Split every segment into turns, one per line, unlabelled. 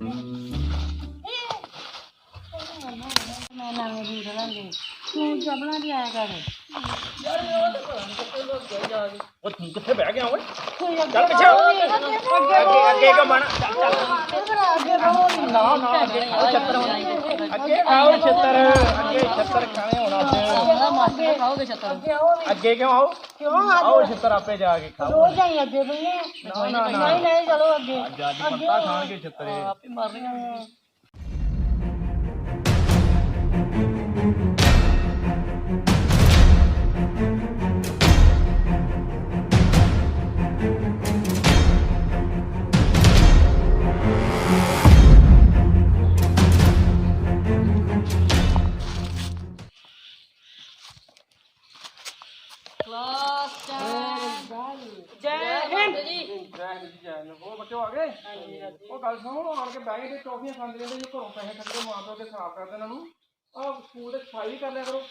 ਮੈਂ ਨਵੇਂ ਬੂਟ ਲਾਂਗੇ ਤੂੰ ਚੱਪਲਾਂ ਦੀ ਆਇਆ ਕਰ
ਯਾਰ ਉਹ ਤਾਂ ਪਤਾ ਨਹੀਂ ਕਿੱਥੇ ਲੋਕ ਗਏ ਜਾ ਕੇ ਉਹ ਤੂੰ ਕਿੱਥੇ ਬਹਿ ਗਿਆ ਓਏ ਚੱਲ ਪਿੱਛੇ ਅੱਗੇ ਕਾ ਬਣ ਨਾ ਨਾ ਅੱਗੇ ਅੱਗੇ ਆਓ ਛੱਤਰ ਅੱਗੇ ਛੱਤਰ ਖਾਣੇ ਹੋਣਾ ਅੱਜ
ਖਾਓਗੇ ਛੱਤਰ
ਅੱਗੇ ਕਿਉਂ ਆਓ ਆਓ ਛੱਤਰ ਆਪੇ ਜਾ ਕੇ ਖਾਓ
ਰੋਜ਼ ਆਈ ਅੱਗੇ ਬਈਏ ਨਹੀਂ ਨਹੀਂ ਚਲੋ ਅੱਗੇ
ਅੱਜ ਪੱਤਾ ਖਾਣਗੇ ਛੱਤਰੇ
ਆਪੇ ਮਰ ਰਹੇ
ਉਹ ਬੱਚੇ ਆ ਗਏ ਉਹ ਗੱਲ ਸੁਣੋ ਆਣ ਕੇ ਬੈਗ ਤੇ ਟੌਫੀਆਂ ਖਾਂਦੇ ਰਹਿੰਦੇ ਜੋ ਘਰੋਂ ਪੈਸੇ ਖਰਚਦੇ ਮਾਂ ਪਿਓ ਦੇ ਖਰਾਬ ਕਰਦੇ ਇਹਨਾਂ ਨੂੰ ਆਹ ਸਕੂਲ ਦੇ ਸਫਾਈ ਵੀ ਕਰ ਲਿਆ ਕਰੋ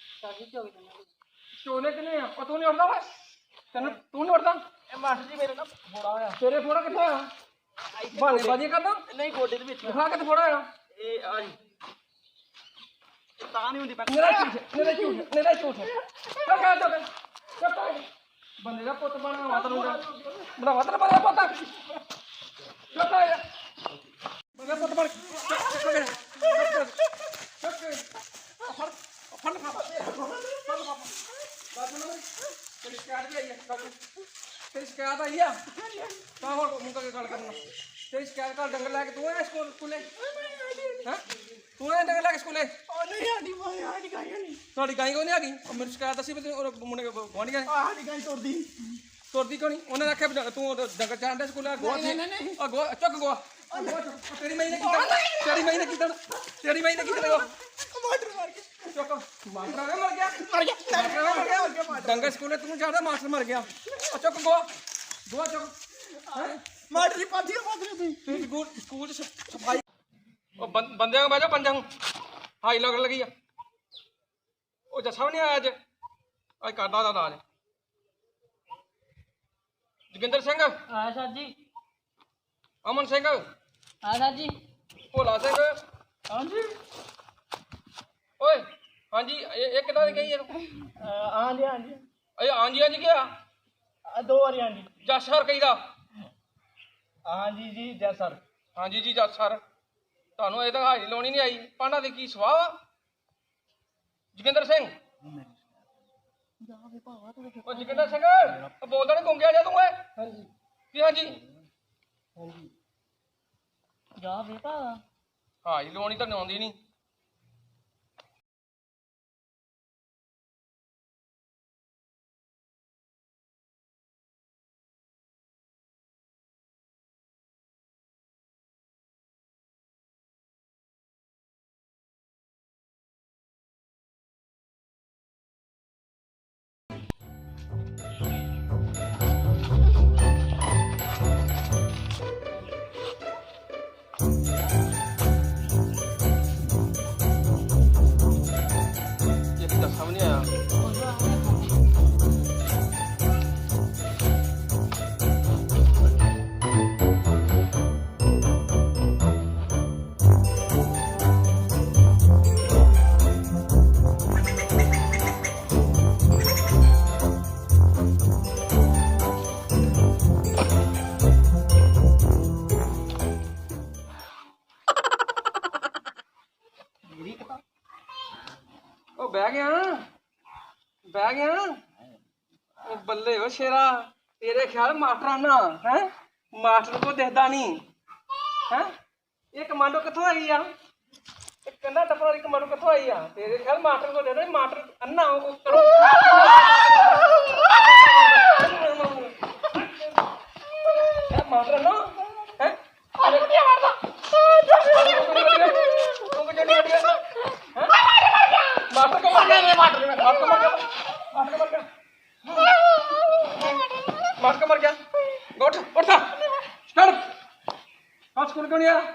ਚੋਲੇ ਕਿਨੇ ਆ ਤੂੰ ਨਹੀਂ ਉੱਠਦਾ ਵਾ ਤੈਨੂੰ ਤੂੰ ਨਹੀਂ ਉੱਠਦਾ ਇਹ ਮਾਸਟਰ ਜੀ ਮੇਰੇ ਨਾਲ ਫੋੜਾ ਹੋਇਆ ਤੇਰੇ ਫੋੜਾ ਕਿੱਥੇ ਆ ਬਾਣੇ ਬਾਜੀ ਕਰਦਾ ਨਹੀਂ ਗੋਡੇ ਦੇ ਵਿੱਚ ਦਿਖਾ ਕਿੱਥੇ ਫੋੜਾ ਹੋਇਆ ਇਹ ਆ ਜੀ ਤਾਂ ਨਹੀਂ ਹੁੰਦੀ ਮੇਰਾ ਝੂਠ ਚੱਲ ਕਾ ਚੱਲ ਬੰਦੇ ਦਾ ਪੁੱਤ ਬਣਾ ਮਾਤਰ ਨੂੰ ਬਣਾ ਮਾਤਰ ਬਣਾ ਪੁੱਤ ਚੱਕਾ ਯਾਰ ਬੰਦੇ ਪੁੱਤ ਬਣ ਤੇਰੀ ਸ਼ਿਕਾਇਤ ਆਈ ਆ ਤਾਂ ਹੁਣ ਮੁੰਡਾ ਕੇ ਗੱਲ ਕਰਨਾ ਤੇਰੀ ਸ਼ਿਕਾਇਤ ਕਰ ਡੰਗਰ ਲੈ ਕੇ ਤੂੰ ਆਇਆ ਸਕੂਲੇ ਹੈਂ ਤੂੰ ਆਇਆ ਡੰਗਰ ਲੈ ਕੇ ਸਕੂਲੇ ਸਾਡੀ ਗਾਈ ਕੋਈ ਨਹੀਂ ਆ ਗਈ ਮੇਰੀ ਸ਼ਿਕਾਇਤ ਅਸੀਂ ਮੁੰਡੇ ਗੁਆਂਢੀ ਗਏ ਸਾਡੀ ਗਾਈ ਤੁਰਦੀ ਕਿਉਂ ਨਹੀਂ ਉਹਨੇ ਆਖਿਆ ਤੂੰ ਡੰਗਰ ਚਾਂਡੇ ਸਕੂਲੇ ਗੋਆ ਗੋਆ ਚੁੱਕ ਗੋਆ ਤੇਰੀ ਮਾਈ ਨੇ ਕੀਤਾ ਚੁੱਕ ਮਾਸਟਰ ਮਰ ਗਿਆ ਡੰਗਰ ਸਕੂਲੇ ਤੂੰ ਜਾਂਦਾ ਮਾਸਟਰ ਮਰ ਗਿਆ ਚੁੱਕ ਗੋਆ ਚੁੱਕ ਮਾਸਟਰ ਦੀ ਪਾਥੀ ਤੂੰ ਸਕੂਲ ਚ ਸਫਾਈ ਉਹ ਬੰਦਿਆਂ ਨੂੰ ਬਹਿ ਪੰਜਾਂ ਨੂੰ ਹਾਈ ਲੱਗ ਲੱਗੀ ਆ ਉਹ ਜੱਸਾ ਵੀ ਨਹੀਂ ਆਇਆ ਅੱਜ ਕਰਦਾ ਦਾ ਨਾਜ ਜੋਗਿੰਦਰ ਸਿੰਘ
ਆਇਆ ਸਰ ਜੀ
ਅਮਨ ਸਿੰਘ
ਆਇਆ ਸਰ ਜੀ
ਭੋਲਾ ਸਿੰਘ
ਹਾਂਜੀ
ਓਏ ਹਾਂਜੀ ਇਹ ਕਿੱਦਾਂ ਦੀ ਗਈ
ਹਾਂਜੀ
ਹਾਂਜੀ ਗਿਆ
ਦੋ ਵਾਰੀ ਹਾਂਜੀ
ਜੱਸ ਸਰ ਕਹੀਦਾ
ਹਾਂਜੀ ਜੀ ਜੈ ਸਰ
ਹਾਂਜੀ ਜੀ ਜੱਸ ਸਰ ਤੁਹਾਨੂੰ ਇਹ ਤਾਂ ਹਾਜ਼ਰੀ ਲਾਉਣੀ ਨਹੀਂ ਆਈ ਪਾਂਡਾ ਦੀ ਕੀ ਸਵਾਹ ਵਾ ਜੋਗਿੰਦਰ ਸਿੰਘ ਉਹ ਜੋਗਿੰਦਰ ਸਿੰਘ ਬੋਲਦਾ ਨਹੀਂ ਗੁੰਗਿਆ ਜਾ ਤੂੰ ਓਏ ਹਾਂਜੀ ਕੀ ਹਾਂਜੀ
ਜਾ ਬੇਟਾ
ਹਾਜ਼ਰੀ ਲਾਉਣੀ ਤਾਂ ਆਉਂਦੀ ਨਹੀਂ ਸਾਹਮਣੇ ਆਇਆ ਉਹ ਬਹਿ ਗਿਆ ਉਹ ਬੱਲੇ ਓ ਸ਼ੇਰਾ ਤੇਰੇ ਖਿਆਲ ਮਾਸਟਰਾਨਾ ਹੈ ਮਾਸਟਰ ਕੋ ਦਿਖਦਾ ਨਹੀਂ ਹੈ ਇਹ ਕਮਾਂਡੋ ਕਿੱਥੋਂ ਆਈ ਆ ਇਹ ਕੰਨਾ ਟੱਪਰ ਵਾਲੀ ਕਮਾਂਡੋ ਕਿੱਥੋਂ ਆਈ ਆ ਤੇਰੇ ਖਿਆਲ ਮਾਸਟਰ ਕੋ ਦਿਖਦਾ ਮਾਸਟਰ ਅੰਨਾ ਉਹ ਕਰੋ ਮਾਸਟਰ ਨਾ ਹੈ मर गया उठ उठ स्टार्ट आज स्कूल क्यों नहीं आया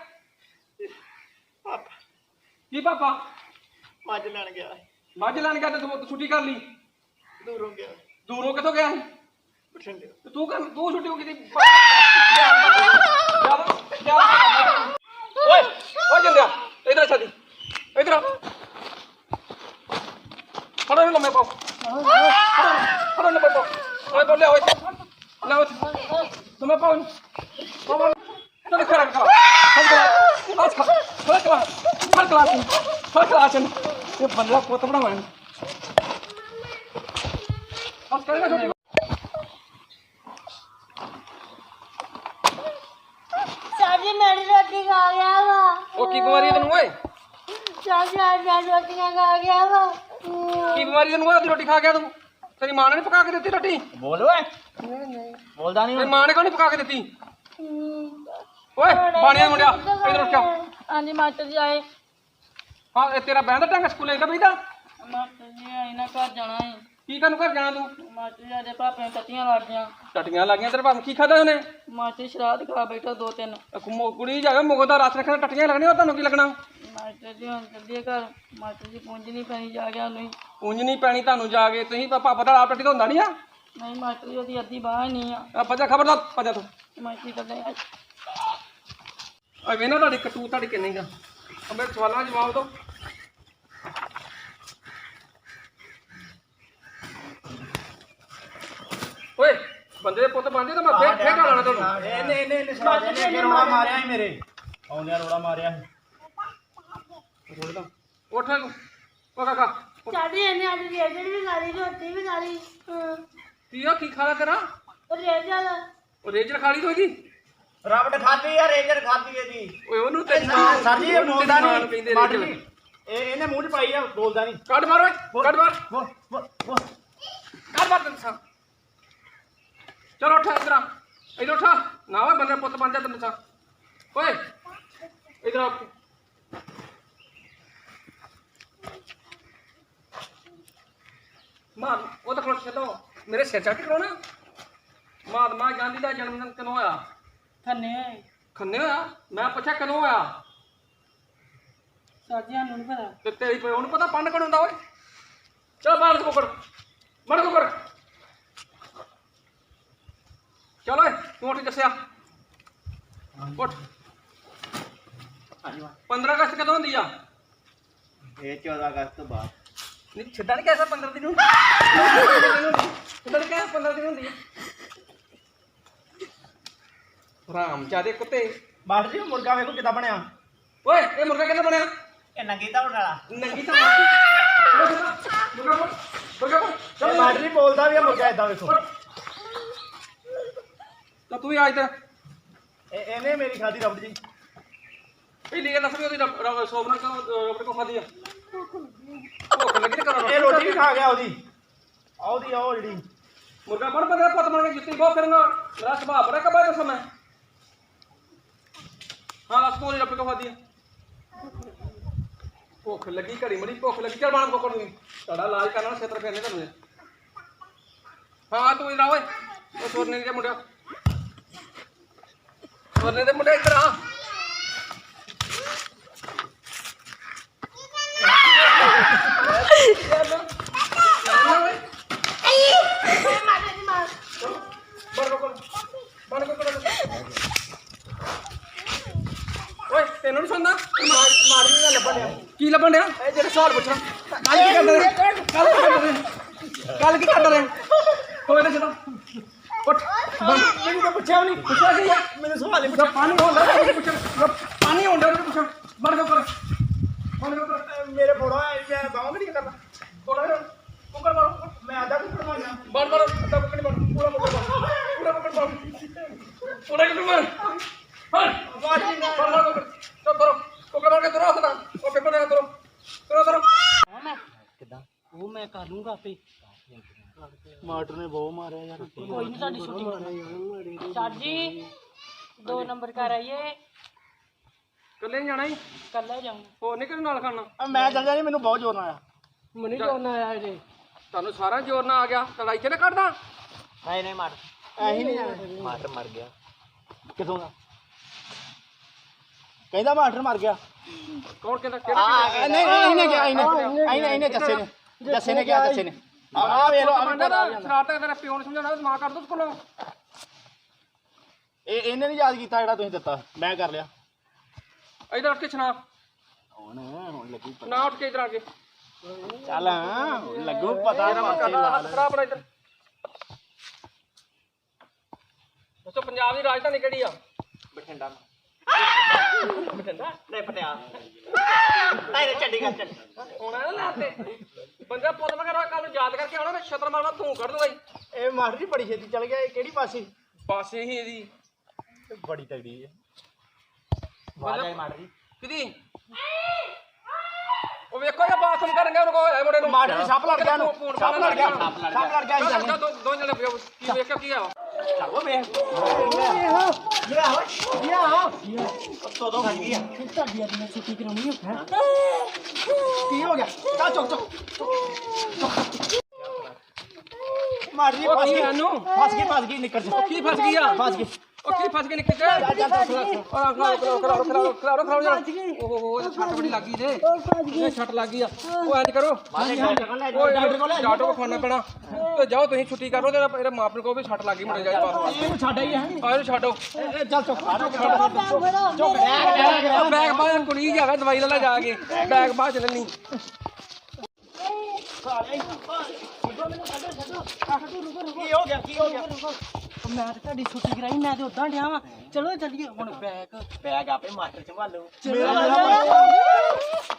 की पापा
मज लैन गया
मज लैन गया तो छुट्टी कर ली दूरों कितों गया तू छुट्टी हो गई ਓਏ ਓਏ ਜਿੰਦਿਆ ਇਧਰ ਛੱਡੀ ਇਧਰ ਫੜੋ ਇਹਨੂੰ ਲੰਮੇ ਪਾਓ ਫੜੋ ਲੰਮੇ ਪਾਓ ਓਏ ਬੋਲਿਆ ਓਏ ਲੈ ਓਏ ਲੰਮੇ ਪਾਓ ਪਾਓ ਚੱਲ ਖੜਾ ਫੜ ਕਲਾਸ ਇਹ ਬੰਦਾ ਪੁੱਤ ਬਣਾਵਾਂ ਬਸ ਕਰੇਗਾ ਛੋਟੀ
ਸਾਡੀ ਮੇਰੀ ਰੋਟੀ ਖਾ ਗਿਆ ਵਾ
ਉਹ ਕੀ ਬਿਮਾਰੀ ਹੈ ਤੈਨੂੰ ਓਏ
ਸਾਡੀ ਰੋਟੀਆਂ ਖਾ ਗਿਆ ਵਾ
ਕੀ ਬਿਮਾਰੀ ਤੈਨੂੰ ਓਏ ਰੋਟੀ ਖਾ ਗਿਆ ਤੂੰ ਤੇਰੀ ਮਾਂ ਨੇ ਨੀ ਪਕਾ ਕੇ ਦਿੱਤੀ ਰੋਟੀ
ਬੋਲ ਓਏ ਬੋਲਦਾ ਨਹੀਂ
ਤੇਰੀ ਮਾਂ ਨੇ ਕਿਉਂ ਨੀ ਪਕਾ ਕੇ ਦਿੱਤੀ ਓਏ ਬਾਣੀਆ ਮੁੰਡਿਆ ਇਧਰ ਉੱਠ ਜਾ
ਹਾਂਜੀ ਮਾਸਟਰ ਜੀ ਆਏ
ਹਾਂ ਇਹ ਤੇਰਾ ਬਹਿਣ ਦਾ ਢੰਗ ਸਕੂਲੇ ਦਾ ਬਈਦਾ
ਮਾਸਟਰ ਜੀ ਆਏ ਨਾ ਘਰ ਜਾਣਾ ਹੈ
ਕੀ ਕਰਨ ਘਰ ਜਾਣਾ ਤੂੰ
ਮਾਸਟਰ ਜੀ ਦੇ ਪਾਪੇ ਨੂੰ ਟੱਟੀਆਂ ਲੱਗ ਗਈਆਂ
ਟਟੀਆਂ ਲੱਗੀਆਂ ਤੇਰੇ ਭਾਵੇਂ ਕੀ ਖਾਦਾ ਉਹਨੇ
ਮਾਸਟਰ ਸ਼ਰਾਧ ਖਾ ਬੈਠਾ 2-3
ਕੁੜੀ ਜਾਵੇ ਮੁਗ ਦਾ ਰਸ ਰੱਖਣਾ ਟਟੀਆਂ ਲੱਗਣੀਆਂ ਤੁਹਾਨੂੰ ਕੀ ਲੱਗਣਾ
ਮਾਸਟਰ ਜੀ ਹੁਣ ਚੱਲੀਏ ਘਰ ਮਾਸਟਰ ਜੀ ਪੁੰਜ ਨਹੀਂ ਪੈਣੀ ਜਾ ਗਿਆ ਨਹੀਂ
ਉਂਝ ਨਹੀਂ ਪੈਣੀ ਤੁਹਾਨੂੰ ਜਾ ਕੇ ਤੁਸੀਂ ਪਾਪਾ ਦਾ ਆਪ ਟੱਟੀ ਤਾਂ ਹੁੰਦਾ ਨਹੀਂ ਆ
ਨਹੀਂ ਮਾਸਟਰ ਜੀ ਉਹਦੀ ਅੱਧੀ ਬਾਂਹ ਹੀ ਨਹੀਂ ਆ
ਭੱਜਾ ਖਬਰਦਾਰ ਭੱਜਾ ਤੂੰ
ਮਾਸਟਰ ਜੀ ਕਰਦੇ
ਆ ਵੇਨਾ ਤੁਹਾਡੀ ਕਟੂ ਤੁਹਾਡੀ ਕਿੰਨੀ ਗਾ ਮੇਰੇ ਸਵਾਲਾਂ ਦਾ ਜਵਾਬ ਦਿਓ ਓਏ ਬੰਦੇ ਦੇ ਪੁੱਤ ਬਣਦੇ ਤਾਂ ਮੈਂ ਫੇਰ ਗਾਲਾਂ ਤੁਹਾਨੂੰ
ਇਹਨੇ ਰੋੜਾ ਮਾਰਿਆ ਸੀ ਮੇਰੇ ਆਉਂਦਿਆਂ ਰੋੜਾ ਮਾਰਿਆ ਸੀ
ਉੱਠ ਓ ਕਾਕਾ
ਸਾਡੀ ਇਹਨੇ ਅੱਜ ਰੇਜਰ ਵੀ ਖਾ ਲਈ ਰੋਟੀ ਵੀ ਖਾ ਲਈ
ਕੀ ਆ ਕੀ ਖਾਲਾ ਤੇਰਾ
ਰੇਜਰ
ਉਹ ਰੇਜਰ ਖਾ ਲਈ ਤੂੰ ਇਹਦੀ
ਰਬੜ ਖਾਦੀ ਆ ਰੇਜਰ ਖਾਦੀ ਇਹਦੀ
ਓਏ ਉਹਨੂੰ ਤੇ
ਸਰ ਜੀ ਇਹ ਬੋਲਦਾ ਨਹੀਂ ਮਾਡਲ ਇਹਨੇ ਮੂੰਹ 'ਚ ਪਾਈ ਆ ਬੋਲਦਾ ਨਹੀਂ
ਕੱਢ ਮਾਰ ਓਏ ਕੱਢ ਮਾਰ
ਬੋਲ
ਕੱਢ ਮਾਰ ਤੈਨੂੰ ਸਾਂ ਚਲੋ ਉੱਠ ਇਧਰ ਉੱਠ ਨਾ ਓਏ ਬੰਦੇ ਪੁੱਤ ਬਣ ਜਾ ਤੈਨੂੰ ਸਾਂ ਓਏ ਇਧਰ ਆ ਮਾਂ ਉਹ ਤਾਂ ਖਲੋਚ ਛੱਡੋ ਮੇਰੇ ਸਿਰ ਚੱਕ ਕਰਾਉਣਾ ਮਹਾਤਮਾ ਗਾਂਧੀ ਦਾ ਜਨਮ ਦਿਨ ਕਦੋਂ ਹੋਇਆ ਖੰਨੇ ਹੋਇਆ ਮੈਂ ਪੁੱਛਿਆ ਕਦੋਂ ਹੋਇਆ
ਸਾਜੀਆਂ ਨੂੰ ਨਹੀਂ ਪਤਾ
ਤੇ ਤੇਰੀ ਪਿਓ ਨੂੰ ਪਤਾ ਪੰਡ ਕਦੋਂ ਹੁੰਦਾ ਓਏ ਚਲ ਬਾਹਰ ਕੋਕੜ ਮੜ ਕੋਕੜ ਚਲ ਓਏ ਤੂੰ ਉੱਠ ਦੱਸਿਆ ਉੱਠ 15 ਅਗਸਤ ਕਦੋਂ ਹੁੰਦੀ ਆ
ਇਹ 14 ਅਗਸਤ ਤੋਂ ਬਾਅਦ
ਨਹੀਂ ਛੱਡਣ ਨਹੀਂ ਕਹਿਆ 15 ਦਿਨ ਹੁੰਦੀ ਛੱਡਣ ਕਹਿਆ 15 ਦਿਨ ਹੁੰਦੀ ਆ ਰਾਮ ਚਾਦੇ ਕੁੱਤੇ
ਮਾਸਟਰ ਜੀ ਮੁਰਗਾ ਵੇਖੋ ਕਿੱਦਾਂ ਬਣਿਆ
ਓਏ ਇਹ ਮੁਰਗਾ ਕਿੱਦਾਂ ਬਣਿਆ
ਇਹ ਨੰਗੀ ਤਾਂ ਵਾਲਾ
ਨੰਗੀ ਤਾਂ ਮੁਰਗਾ
ਇਹ ਮਾਸਟਰ ਜੀ ਬੋਲਦਾ ਵੀ ਆ ਮੁਰਗਾ ਇਦਾਂ ਵੇਖੋ
ਤਾਂ ਤੂੰ ਹੀ ਅੱਜ ਤੇ
ਇਹਨੇ ਮੇਰੀ ਖਾਦੀ ਰਬੜ ਜੀ
ਇਹ ਲੈ ਦੱਸ ਵੀ ਉਹਦੀ ਸੋਬਨਾ ਰਬੜ ਕੋ ਖਾਦੀ ਆ ਭੁੱਖ ਲੱਗੀ ਤੇ ਕਰੋ
ਇਹ ਰੋਟੀ ਵੀ ਖਾ ਗਿਆ ਉਹਦੀ ਉਹ ਜਿਹੜੀ
ਮੁਰਗਾ ਬਣ ਬੰਦਾ ਪੁੱਤ ਬਣ ਕੇ ਜੁੱਤੀ ਬਹੁਤ ਫਿਰਨਾ ਮੇਰਾ ਸੁਭਾਅ ਬੜਾ ਕਬਾ ਦੱਸਾਂ ਮੈਂ ਹਾਂ ਦੱਸ ਕੋਲ ਰਬੜ ਕੋ ਖਾਦੀ ਆ ਭੁੱਖ ਲੱਗੀ ਘੜੀ ਮੜੀ ਭੁੱਖ ਲੱਗੀ ਚੱਲ ਬਾਣ ਕੋਕੜ ਨੂੰ ਤੁਹਾਡਾ ਇਲਾਜ ਕਰਨਾ ਛੇਤਰ ਫੇਰਨੇ ਤੁਹਾਨੂੰ ਹਾਂ ਤੂੰ ਇਧਰ ਆ ਓਏ ਉਹ ਸੋਰਨੇ ਦੇ ਮੁੰਡਿਆ ਸੋਰਨੇ ਦੇ ਮੁੰਡੇ ਇੱਧਰ ਆ ਓਏ ਤੈਨੂੰ ਨਹੀਂ ਸੁਣਦਾ
ਮਾੜੀ ਨਾਲ ਲੱਭਣ ਡਿਆ
ਕੀ ਲੱਭਣ ਡਿਆ ਇਹ ਜਿਹੜੇ ਸਵਾਲ ਪੁੱਛਣਾ ਕੱਲ ਕੀ ਕਰਦਾ ਰਿਹਾ ਹੋਏ ਨਾ ਚਲੋ ਉੱਠ
ਮੈਨੂੰ ਤਾਂ ਪੁੱਛਿਆ ਵੀ ਨਹੀਂ
ਪੁੱਛਿਆ ਸੀ ਯਾਰ
ਮੈਨੂੰ ਸਵਾਲ ਹੀ
ਜਦ ਪਾਣੀ ਹੁੰਦਾ ਤਾਂ ਪੁੱਛਣ ਪਾਣੀ ਹੁੰਦਾ ਉਹਨੂੰ ਪੁੱਛਣ ਬਣ ਕੇ ਕਰ
ਮੇਰੇ ਫੋੜਾ ਮੈਂ ਬਾਹਾਂ ਵੀ ਨਹੀਂ ਕਰਦਾ
ਥੋੜਾ ਕੁੱਕਰ ਮਾਰੋ
ਮੈਂ ਆਦਾ ਕੁੱਕੜ ਮਾਰਨਾ
ਬਣ ਮਾਰੋ ਅੱਧਾ ਕੁੱਕਰ ਮਾਰੋ ਪੂਰਾ ਕੁੱਕਰ ਮਾਰੋ ਪੂਰਾ ਕੁੱਕਰ ਮਾਰ ਹਾਂ
ਵਾਜੀ ਨਾ
ਮਾਰੋ ਚਲ ਕਰੋ ਕੁੱਕਰ ਮਾਰ ਕੇ ਤੁਰੋ ਸਦਾ ਉਹ ਪੇਪਰ ਦੇ ਤੁਰੋ
ਉਹ ਮੈਂ ਕਰ ਲੂੰਗਾ ਆਪੇ
ਮਾਸਟਰ ਨੇ ਬਹੁਤ ਮਾਰਿਆ ਯਾਰ
ਕੋਈ ਨਹੀਂ ਸਾਡੀ ਛੁੱਟੀ ਸਾਜੀ 2 ਨੰਬਰ ਕਰ ਆਈਏ
ਕੱਲੇ ਨਹੀਂ ਜਾਣਾ ਹੀ
ਕੱਲਾ ਜਾਊਂ
ਹੋਰ ਨਹੀਂ ਕਿਹਦੇ ਨਾਲ ਖਾਣਾ
ਮੈਂ ਚੱਲ ਜਾਣੀ ਮੈਨੂੰ ਬਹੁਤ ਜ਼ੋਰ ਨਾਲ ਆਇਆ
ਮਨੀ ਜੋਨ ਆਇਆ ਜੇ
ਤੁਹਾਨੂੰ ਸਾਰਾ ਜ਼ੋਰ ਨਾਲ ਆ ਗਿਆ ਲੜਾਈ ਚ ਨਾ ਕੱਢਦਾ
ਨਹੀਂ ਮਾਰ ਐਹੀ ਨਹੀਂ ਜਾਣਾ ਮਾਸਟਰ ਮਰ ਗਿਆ ਕਿਥੋਂ ਦਾ ਕਹਿੰਦਾ ਮਾਸਟਰ ਮਰ ਗਿਆ
ਕੌਣ ਕਹਿੰਦਾ ਕਿਹੜਾ
ਨਹੀਂ ਇਹਨੇ ਕਿਹਾ ਇਹਨੇ ਜੱਸੇ ਨੇ ਕਿਹਾ ਜੱਸੇ ਨੇ ਆ ਵੇ ਲੋ
ਸ਼ਰਾਰਤਾਂ ਤੇਰੇ ਪਿਓ ਨੂੰ ਸਮਝਾਉਣਾ ਮਾਂ ਕਰ ਦੋ ਸਕੂਲੋਂ
ਇਹਨੇ ਨਹੀਂ ਯਾਦ ਕੀਤਾ ਜਿਹੜਾ ਤੁਸੀਂ ਦਿੱਤਾ ਮੈਂ ਕਰ ਲਿਆ
ਇਧਰ ਉੱਠ ਕੇ ਸੁਣਾ
ਹੁਣ ਲੱਗੂ
ਨਾ ਉੱਠ ਕੇ ਇਧਰ ਆ ਕੇ
ਚੱਲ ਲੱਗੂ ਪਤਾ
ਹੱਥ ਖੜਾ ਆਪਣਾ ਇਧਰ ਦੱਸੋ ਪੰਜਾਬ ਦੀ ਰਾਜਧਾਨੀ ਕਿਹੜੀ ਆ
ਬਠਿੰਡਾ
ਬਠਿੰਡਾ
ਨਹੀਂ ਪਟਿਆਲਾ ਨਹੀਂ ਚੰਡੀਗੜ੍ਹ ਚੱਲ
ਹੋਣਾ ਨਾ ਲਾਤੇ ਬੰਦਾ ਪੁੱਤ ਵਗੈਰਾ ਕੱਲ ਨੂੰ ਯਾਦ ਕਰਕੇ ਆਉਣਾ ਮੈਂ ਛਤਰ ਮਾਰਨਾ ਤੂੰ ਕੱਢ ਦੂੰਗਾ
ਇਹ ਮਾਸਟਰ ਜੀ ਬੜੀ ਛੇਤੀ ਚੱਲ ਗਿਆ ਇਹ ਕਿਹੜੀ ਪਾਸੇ
ਪਾਸੇ ਹੀ ਇਹਦੀ
ਬੜੀ ਤਗੜੀ ਹੈ ਵਾਜਾ ਮਾਸਟਰ ਜੀ
ਕਿਦੀ ਉਹ ਵੇਖੋ ਇਹ ਬਾਥਰੂਮ ਕਰਨ ਗਿਆ ਉਹਨੂੰ ਕੋ ਮੁੰਡੇ ਨੂੰ
ਮਾਸਟਰ ਜੀ ਸੱਪ ਲੜ ਗਿਆ ਨੂੰ ਸੱਪ ਲੜ ਗਿਆ ਸੱਪ ਲੜ ਗਿਆ
ਦੋ ਜਣੇ ਪਿਓ ਕੀ ਵੇਖਿਆ ਕੀ ਆ
ਚੱਲੋ ਵੇ ਦੋ ਫਸ ਗਈ
ਤੁਹਾਡੀ ਅੱਜ ਮੈਂ ਛੁੱਟੀ ਕਰਾਉਣੀ ਹੈ
ਕੀ ਹੋ ਗਿਆ ਚੱਲ ਚੁੱਕ ਮਾਸਟਰ ਜੀ
ਉਹ ਕੀ ਇਹਨੂੰ
ਫਸ ਗਈ ਨਿਕਲ ਜਾ
ਕੀ ਫਸ ਗਈ ਆ
ਫਸ ਗਈ
ਉਹ ਕੀ ਫਸ ਕੇ ਨਿਕਲ ਜਾ ਉਹ ਛੱਟ ਬੜੀ ਲੱਗੀ ਤੇ ਇਹ ਛੱਟ ਲੱਗੀ ਆ ਉਹ ਇੰਜ ਕਰੋ ਡਾਕਟਰ ਕੋਲ ਖਾਣਾ ਪੈਣਾ ਤੇ ਜਾਓ ਤੁਸੀਂ ਛੁੱਟੀ ਕਰੋ ਤੇ ਇਹਦੇ ਮਾਪੇ ਕੋਲ ਵੀ ਛੱਟ ਲੱਗੀ ਮੁੰਡੇ ਜਾਈ ਪਾਸ
ਇਹਨੂੰ ਛੱਡ ਆਈ ਹੈ
ਇਹਨੂੰ ਛੱਡੋ
ਚੱਲ ਚੁੱਕ
ਬੈਗ ਬਾਹਰ ਕੁੜੀ ਜਾਗਾ ਦਵਾਈ ਲੈ ਜਾ ਕੇ ਬੈਗ ਬਾਹਰ ਚੱਲਣੀ
ਕੀ ਹੋ ਗਿਆ
ਮੈਂ ਤਾਂ ਤੁਹਾਡੀ ਛੁੱਟੀ ਕਰਾਈ ਮੈਂ ਤੇ ਉਦਾਂ ਡਿਆ ਵਾਂ ਚਲੋ ਚੱਲੀਏ ਹੁਣ ਬੈਗ
ਬੈਗ ਆਪੇ ਮਾਸਟਰ ਸੰਭਾਲੂ
ਚਲੋ